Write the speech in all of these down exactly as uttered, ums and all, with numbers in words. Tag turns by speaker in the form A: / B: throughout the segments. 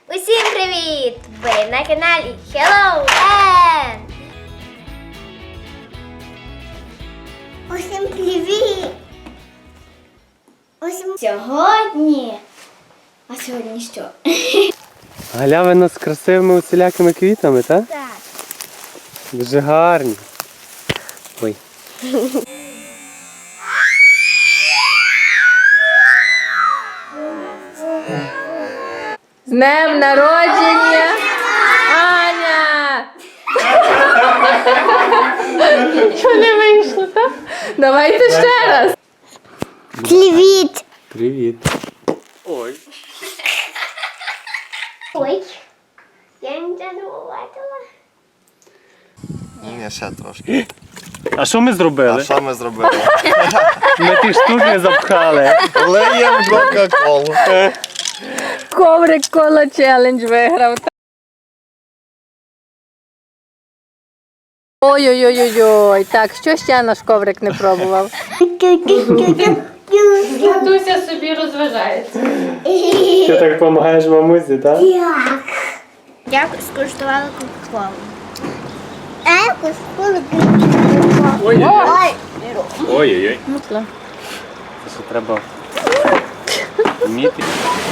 A: Усім привіт! Ви на каналі Hello N! Усім привіт! Усім сьогодні. А сьогодні що?
B: Галявина з красивими усілякими квітами, так?
A: Так.
B: Дуже гарні. Ой.
C: З днем народження, Аня! Що не вийшло, так? Давайте ще раз.
A: Привіт!
B: Привіт. Ой.
A: Ой. Я нічого не побачила.
D: Ні, ще трошки.
B: А що ми зробили?
D: А що ми зробили?
B: Ми ті штуки запхали.
D: Лиємо Кока-Колу.
C: Коврик кола челендж виграв. Ой-ой-ой-ой. Так, що ще наш коврик не пробував? Татуся собі розважається.
B: Ти так допомагаєш мамусі, так?
A: Я скуштувала кока-колу. А я скуштувала кока-колу.
B: Ой-ой-ой. Ой-ой-ой.
C: Мутла.
B: Це що треба вміти.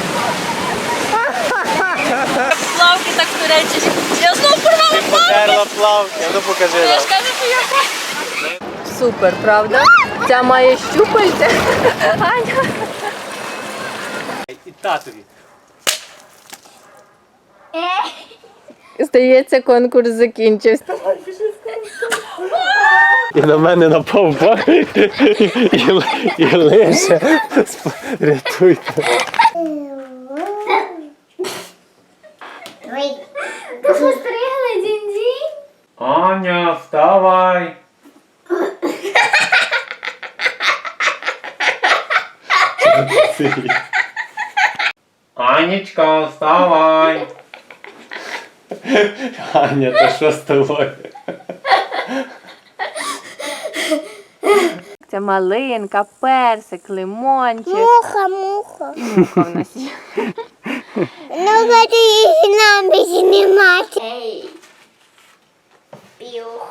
C: Плавки так туречиш. Я знову порвала плавки.
D: Потерла плавки, ну покажи
C: Я
D: нам.
C: ж кажу, що я... Супер, правда? Ця має щупальця. Аня.
B: І татові.
C: Здається, конкурс закінчився.
B: І на мене напав бак. І, і лише. Рятуйте.
A: Ой. Ти постригла, Дінь-Дінь?
B: Аня, вставай. Анечка, вставай. Аня, та що з тобою?
C: Це малинка, персик, лимончик.
A: Муха, муха.
C: Муха в нас є.
A: Ну, ході її нам більше знімати. Ей. Піух.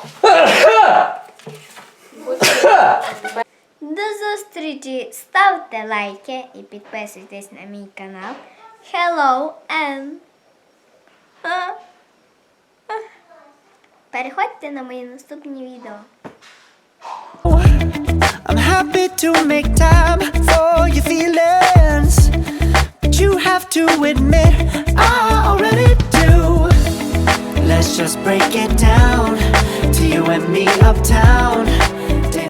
A: До зустрічі. Ставте лайки і підписуйтесь на мій канал. Hello N. А? А. Переходьте на мої наступні відео.
E: I'm happy to make time for your feelings, but you have to admit I already do. Let's just break it down to you and me uptown.